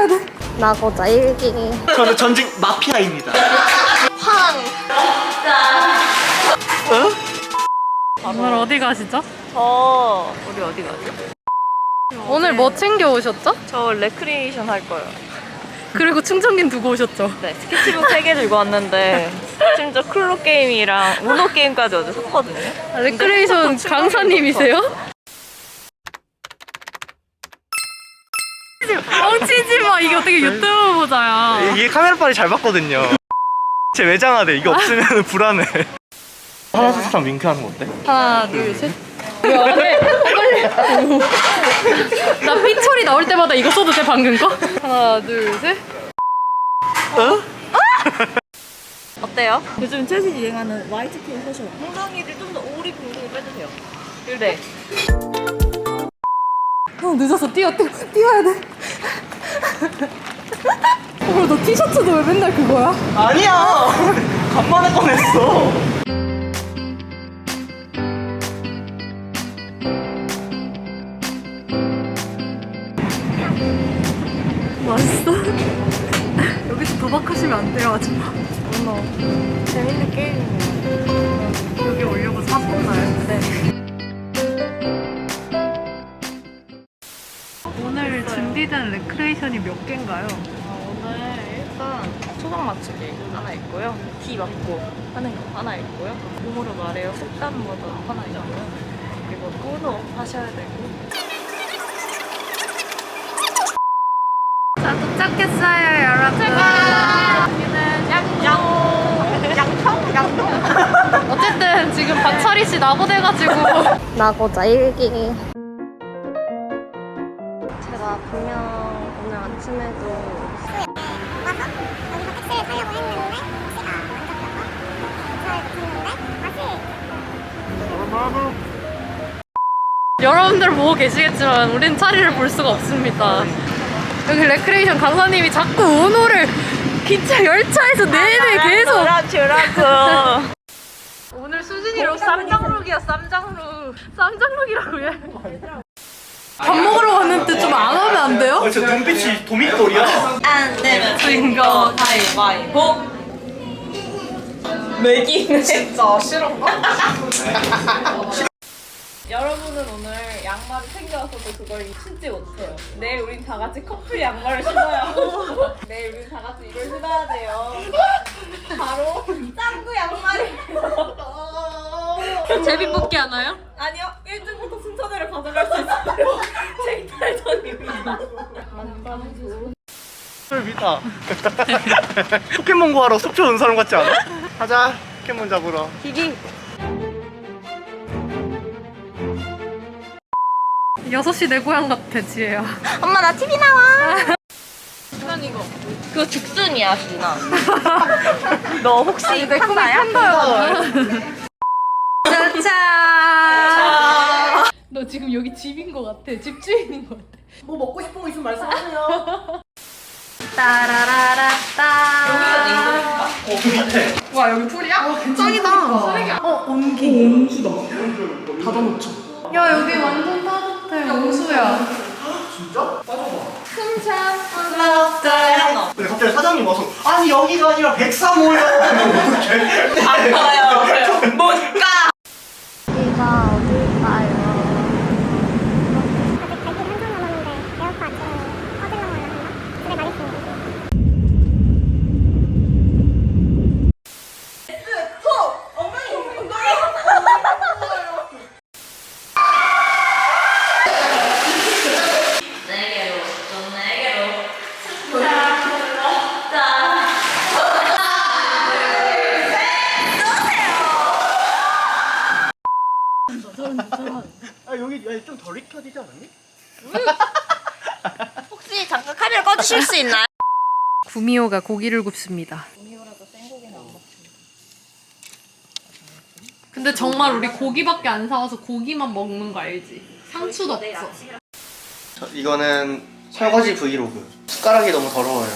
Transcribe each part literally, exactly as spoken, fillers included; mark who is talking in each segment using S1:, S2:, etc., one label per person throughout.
S1: 돼. 나고자 일기.
S2: 저는 전직 마피아입니다.
S1: 황.
S2: 어?
S3: 오늘 어디 가시죠?
S4: 저 우리 어디 가죠?
S3: 오늘 뭐 챙겨 오셨죠?
S4: 저 레크리에이션 할 거예요.
S3: 그리고 충전기는 두고 오셨죠?
S4: 네, 스케치북 세 개 들고 왔는데 심지어 클로 게임이랑 우노 게임까지 어제 샀거든요.
S3: 아, 레크레이션 강사님이세요? 뻥치지 마. 이게 어떻게 유튜브 보자야.
S2: 이게 카메라 빨이 잘 받거든요. 제 외장하대. 이게 없으면 불안해. 하나 둘 셋 하면 윙크하는 거 어때?
S3: 하나 둘 셋. 왜 안 해? 나 삐처리 나올 때마다 이거 써도 돼 방금 거? 하나 둘 셋.
S2: 어?
S4: 어때요? 요즘 최신 유행하는 와이트핑 패션. 엉덩이를 좀 더 오리 붕둥이 빼주세요. 그래.
S3: 형 늦었어. 뛰어 뛰어 뛰어야 돼. 어, 너 티셔츠도 왜 맨날 그거야?
S2: 아니야. 간만에 꺼냈어.
S3: 맛있어? 여기서 도박하시면 안 돼요, 아줌마.
S4: 어머, 재밌는 게임이네요.
S3: 여기 오려고 사셨나요?
S4: 네.
S3: 오늘 준비된 레크레이션이 몇 개인가요?
S4: 아, 오늘 일단 초장 맞추기 하나 있고요. 기 맞고 하는 거 하나 있고요. 몸으로 말해요. 속담 버전 하나 있고요. 그리고 우노 하셔야 되고.
S3: 자, 도착했어요, 여러분.
S4: 여기는 양양 양청 양청.
S3: 어쨌든 지금 박철희 씨 나고돼가지고
S1: 나고자 일기. 제가 분명 오늘 아침에도
S5: 와서 여기서 택시를 타려고 했는데 택시가 안 잡혀서 잘 붙었는데 다시
S3: 여러분들 보고 계시겠지만 우린 차리를 볼 수가 없습니다. 여기 레크레이션 강사님이 자꾸 우노를 기차 열차에서 내내 계속
S4: 주라고.
S3: 오늘 수진이로 쌈장룩이야. 쌈장룩. 쌈장룩이라고 해. 밥 먹으러 갔는데 좀 안 하면 안 돼요?
S2: 어, 저 눈빛이 도미돌이야.
S4: 안 되면 진거 가위바위보. 매기네. 진짜 싫어. 여러분은 오늘 양말을 챙겨왔어도 그걸 신지 못해요. 내일 우린 다 같이 커플 양말을 신어야 하고 내일 우린 다 같이 이걸 신어야 돼요. 바로 짱구 양말이에요.
S3: 제비뽑기 하나요?
S4: 아니요, 일 등부터 순서대로 가져갈 수 있어요. 제 이탈전입니다. 만담주.
S2: 술 믿다. 포켓몬 구하러 속초 온 사람 같지 않아? 가자. 포켓몬 잡으러.
S4: 기기.
S3: 여섯 시 내 고향 같아, 지혜야.
S4: 엄마 나 티비 나와. 난 이거. 그거 죽순이야, 준아. 너 혹시
S3: 내 꿈이
S4: 판다야?
S3: 팬더요. 짜잔. 너 지금 여기 집인 것 같아. 집주인인 것 같아.
S2: 뭐 먹고 싶은 거 있으면 말씀하세요.
S3: 따라라라따.
S4: 여기가 내 이름인가?
S2: 어, 그 밑에.
S3: 와, 여기 풀이야? 어, 짱이다. 어, 온기. 온수다. 닫아놓죠. 야, 여기 완전 따뜻해. 온수야.
S2: 진짜? 빠져봐.
S3: 흠참.
S2: 근데 갑자기 사장님 와서 아니 여기가 아니라 백삼호요. 어떡해?
S4: 안 가요. 못 가.
S1: 여기가 어딜까요?
S2: 아 여기 좀 덜 익혀지지 않았니?
S4: 혹시 잠깐 카메라 꺼주실 수 있나요?
S3: 구미호가 고기를 굽습니다.
S4: 구미호라도 생고기는 안 먹습니다.
S3: 근데 정말 우리 고기밖에 안 사와서 고기만 먹는 거 알지? 상추도 없어.
S2: 저, 이거는 설거지 브이로그. 숟가락이 너무 더러워요.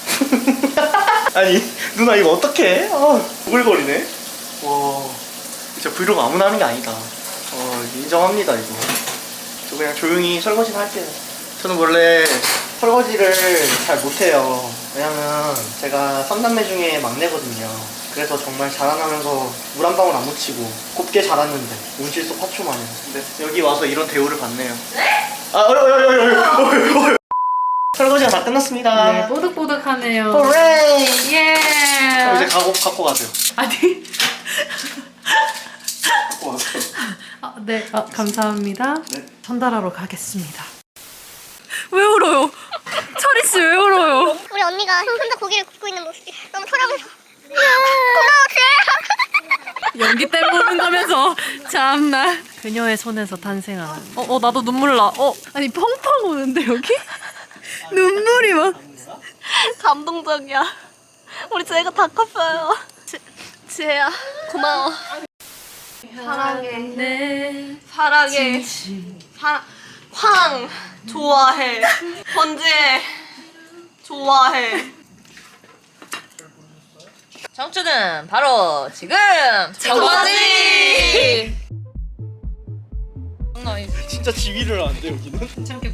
S2: 아니 누나 이거 어떡해? 아 오글거리네. 와 진짜 브이로그 아무나 하는 게 아니다. 어 인정합니다 이거. 저 그냥 조용히 설거지나 할게요. 저는 원래 설거지를 잘 못해요. 왜냐면 제가 삼남매 중에 막내거든요. 그래서 정말 자라나면서 물 한 방울 안 묻히고 곱게 자랐는데 온실속 화초 마냥. 근데 여기 와서 이런 대우를 받네요. 네? 아, 어이, 어이, 어이, 어이, 어이, 어이. 설거지가 다 끝났습니다.
S3: 네, 뽀득뽀득하네요.
S2: 호레이!
S3: 예.
S2: 그럼 이제 가고, 갖고 가세요.
S3: 아니.
S2: 갖고 가세요.
S3: 아, 네, 아, 감사합니다.
S2: 네.
S3: 전달하러 가겠습니다. 왜 울어요? 철이 씨 왜 울어요?
S5: 우리 언니가 혼자 고기를 굽고 있는 모습이 너무 서러워서 고마워 쟤.
S3: 연기 때 보는 거면서 참나. 그녀의 손에서 탄생한. 어, 어 나도 눈물 나. 어, 아니 펑펑 오는데 여기? 눈물이 막.
S1: 감동적이야. 우리 쟤가 다 컸어요. 지, 지혜야 고마워. 사랑해.
S3: 네.
S1: 사랑해. 사랑. 황 좋아해. 번지혜 좋아해.
S6: 청춘은 바로 지금
S1: 저거지.
S2: 진짜 지휘를 하는데 여기는?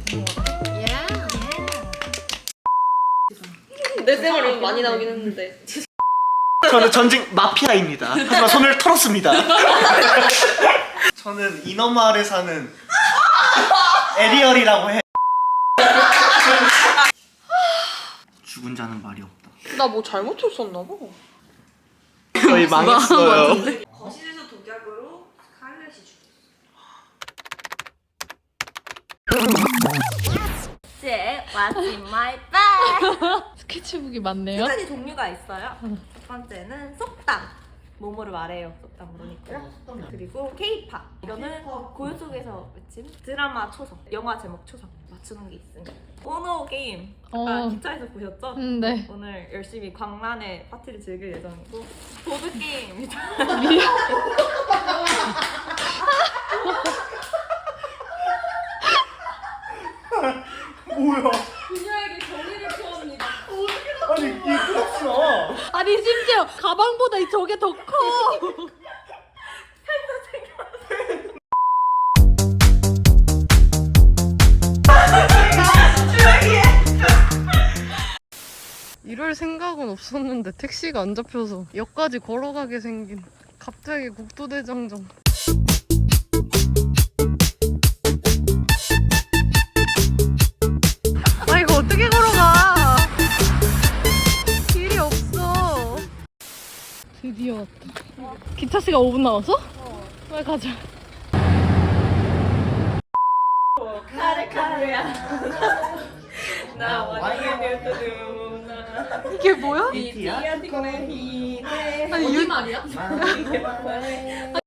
S1: 내 쌤을 많이 나오긴 했는데.
S2: 저는 전직 마피아입니다. 하지만 손을 털었습니다. 저는 인어마을에 사는 에리얼이라고 해. 죽은 자는 말이 없다.
S1: 나 뭐 잘못했었나 봐.
S2: 저희 망했어요.
S4: 거실에서 독약으로 스칼렛이 죽었어.
S1: 쟤 what's in my bag?
S3: 스케치북이 많네요.
S4: 세 가지 종류가 있어요. 첫 번째는 속담. 뭐뭐를 말해요. 속담으로 있고요. 그리고 K-팝. 이거는 고요 속에서 외침. 드라마 초성, 영화 제목 초성 맞추는 게 있습니다. 오노 게임. 아까
S3: 어.
S4: 기차에서 보셨죠?
S3: 음, 네.
S4: 오늘 열심히 광란의 파티를 즐길 예정이고 보드 게임입니다.
S2: 뭐야?
S4: 그녀에게 정의를 표합니다.
S2: 아니 이게 그렇구나.
S3: 아니 심지어 가방보다 저게 더 커. 이럴 생각은 없었는데 택시가 안 잡혀서 역까지 걸어가게 생긴 갑자기 국도대장정. 아 이거 어떻게 걸어가? 길이 없어. 드디어 왔다. 기차 씨가 오 분 남았어? 어. 빨리 가자.
S4: 카레카레야. 나와 니의 beautiful
S3: 이게 뭐야?
S2: 비티야?
S3: 아니 유...
S4: 나.